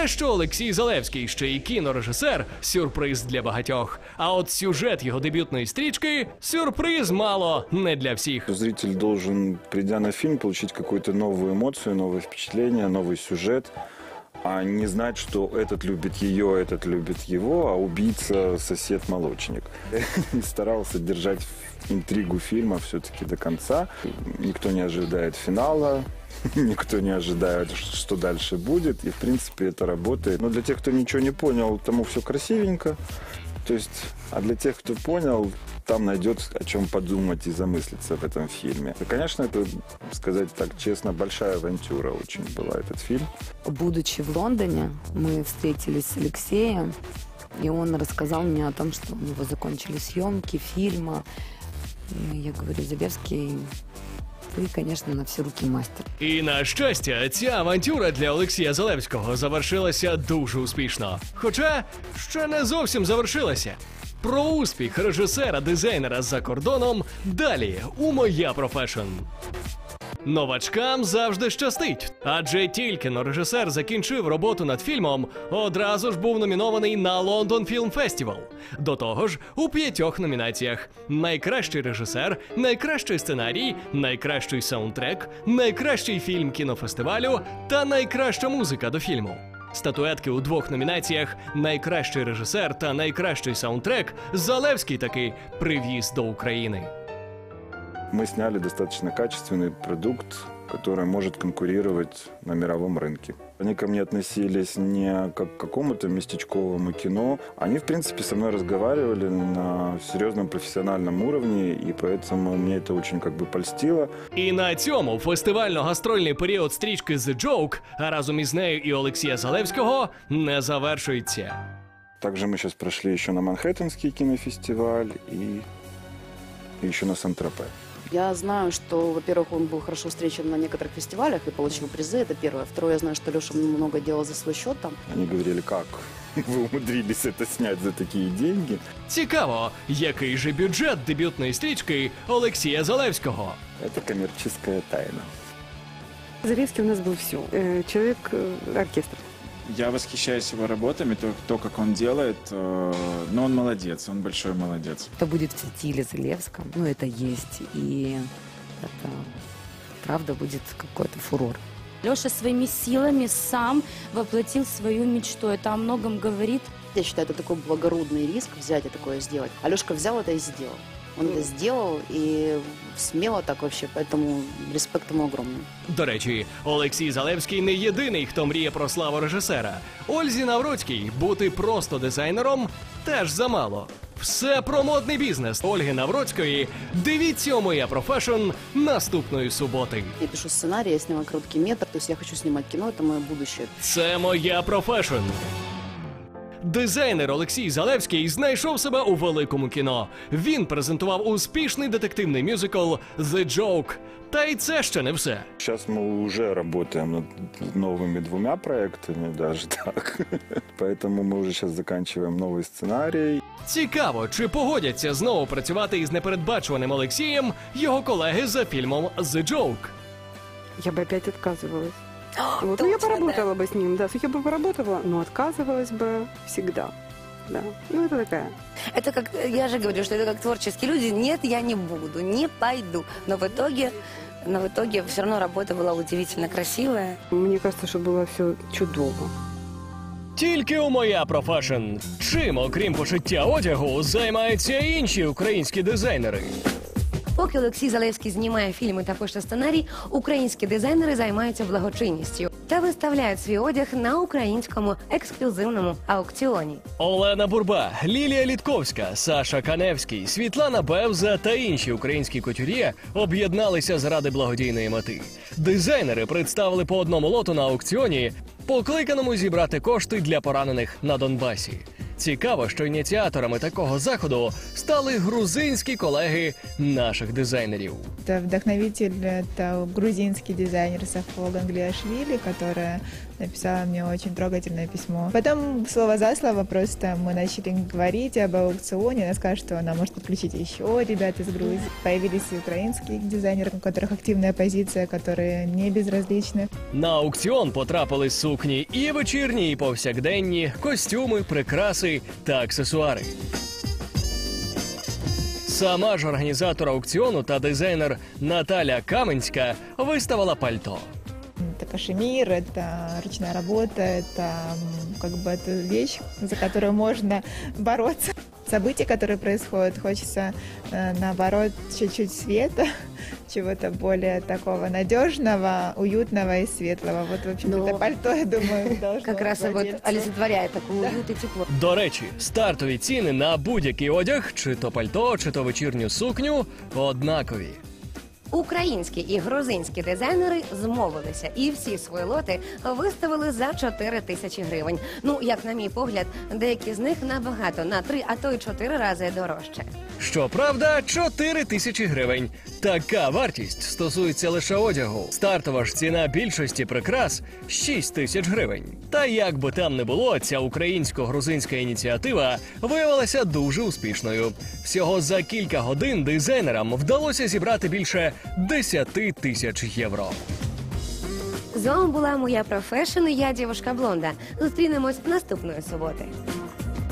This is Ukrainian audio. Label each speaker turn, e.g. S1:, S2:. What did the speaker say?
S1: Те, що Олексій Залевський ще й кінорежисер – сюрприз для багатьох. А от сюжет його дебютної стрічки – сюрприз мало не для всіх.
S2: Зритель должен, придя на фильм, получить какую-то новую эмоцию, новое впечатление, новый сюжет, а не знать, что этот любит ее, этот любит его, а убийца – сосед-молочник. И старался держать интригу фильма все-таки до конца. Никто не ожидает финала. Никто не ожидает, что дальше будет. И, в принципе, это работает. Но для тех, кто ничего не понял, тому все красивенько. То есть, а для тех, кто понял, там найдет о чем подумать и замыслиться в этом фильме. И, конечно, это, сказать так честно, большая авантюра очень была этот фильм.
S3: Будучи в Лондоне, мы встретились с Алексеем, и он рассказал мне о том, что у него закончились съемки фильма. И я говорю: Залевский, ви, звісно, на всі руки мастер.
S1: І на щастя, ця авантюра для Олексія Залевського завершилася дуже успішно. Хоча ще не зовсім завершилася. Про успіх режисера-дизайнера за кордоном далі у «Моя профешн». Новачкам завжди щастить, адже тільки режисер закінчив роботу над фільмом, одразу ж був номінований на Лондон Фільм Фестивал. До того ж, у 5 номінаціях: найкращий режисер, найкращий сценарій, найкращий саундтрек, найкращий фільм кінофестивалю та найкраща музика до фільму. Статуетки у 2 номінаціях «Найкращий режисер» та «Найкращий саундтрек» Залевський таки привіз до України.
S2: Мы сняли достаточно качественный продукт, который может конкурировать на мировом рынке. Они ко мне относились не как к какому-то местечковому кино. Они, в принципе, со мной разговаривали на серьезном профессиональном уровне, и поэтому мне это очень польстило.
S1: І на цьому фестивально-гастрольний період стрічки «The Joke», а разом із нею і Олексія Залевського, не завершується.
S2: Также мы сейчас прошли еще на Манхэттенский кинофестиваль и еще на Сан-Тропе.
S4: Я знаю, что, во-первых, он был хорошо встречен на некоторых фестивалях и получил призы, это первое. Второе, я знаю, что Леша много делал за свой счет там.
S2: Они говорили: как вы умудрились это снять за такие деньги?
S1: Цікаво, який же бюджет дебютної стрічки Олексія Залевського?
S2: Это коммерческая тайна.
S5: Залевский у нас был все. Человек-оркестр.
S6: Я восхищаюсь его работами, то, как он делает, но он молодец, он большой молодец.
S3: Это будет в стиле Залевского, ну это есть, и это правда будет какой-то фурор.
S7: Леша своими силами сам воплотил свою мечту. Это о многом говорит.
S4: Я считаю, это такой благородный риск взять и такое сделать. Алешка взял это и сделал. Он это сделал и смело так вообще, поэтому респект ему огромный.
S1: До речі, Олексій Залевський не єдиний, хто мріє про славу режисера. Ользі Навроцькій бути просто дизайнером теж замало. Все про модний бізнес Ольги Навроцької дивіться у «Моя профешн» наступної суботи.
S4: Я пишу сценарий, я снимаю короткий метр, то есть я хочу снимать кино, это мое будущее.
S1: Це «Моя профешн». Дизайнер Олексій Залевський знайшов себе у великому кіно. Він презентував успішний детективний мюзикл «The Joke». Та й це ще не все.
S2: Сейчас мы уже работаем над новыми 2 проектами, даже так. Поэтому мы уже сейчас заканчиваем новый сценарий.
S1: Цікаво, чи погодяться знову працювати із непередбачуваним Олексієм його колеги за фільмом «The Joke».
S5: Я бы опять отказывалась. Вот. Ну, я поработала бы с ним, да. Я бы поработала, но отказывалась бы всегда. Да. Ну, это такая.
S8: Это как, я же говорю, что это как творческие люди. Нет, я не буду, не пойду. Но в итоге все равно работа была удивительно красивая.
S5: Мне кажется, что было все чудово.
S1: Тільки у «Моя профешн». Чим, окрім пошиття одягу, займаються інші українські дизайнери?
S8: Поки Олексій Залевський знімає фільми та пише сценарій, українські дизайнери займаються благочинністю та виставляють свій одяг на українському ексклюзивному аукціоні.
S1: Олена Бурба, Лілія Літковська, Саша Каневський, Світлана Бевза та інші українські кутюр'є об'єдналися заради благодійної мети. Дизайнери представили по одному лоту на аукціоні, покликаному зібрати кошти для поранених на Донбасі. Цікаво, що ініціаторами такого заходу стали грузинські колеги наших дизайнерів.
S9: Это вдохновитель, это грузинский дизайнер Сафо Ганглиашвили, которая написала мне очень трогательное письмо. Потом слово за слово просто мы начали говорить об аукционе. Она сказала, что она может подключить еще ребят из Грузии. Появились и украинские дизайнеры, у которых активная позиция, которые не безразличны.
S1: На аукціон потрапили сукні і вечірні, і повсякденні, костюми, прикраси та аксесуари. Сама ж організатор аукціону та дизайнер Наталя Каменська виставила пальто.
S9: Это кашемир, это ручная работа, это как бы это вещь, за которую можно бороться. События, которые происходят, хочется наоборот чуть-чуть света, чего-то более такого надежного, уютного и светлого. Вот, в общем-то, это пальто, я думаю, должно
S8: Как раз вот
S9: владельцу.
S8: олицетворяет такой уют и тепло.
S1: До речі, стартові ціни на будь-який одяг, чи то пальто, чи то вечірню сукню, однакові.
S8: Українські і грузинські дизайнери змовилися і всі свої лоти виставили за 4 тисячі гривень. Ну, як на мій погляд, деякі з них набагато, на 3, а то й 4 рази дорожче.
S1: Щоправда, 4 тисячі гривень. Така вартість стосується лише одягу. Стартова ж ціна більшості прикрас – 6 тисяч гривень. Та як би там не було, ця українсько-грузинська ініціатива виявилася дуже успішною. Всього за кілька годин дизайнерам вдалося зібрати більше 10 тисяч євро.
S8: З вами була моя профешн, я дівушка Блонда. Зустрінемось наступної суботи.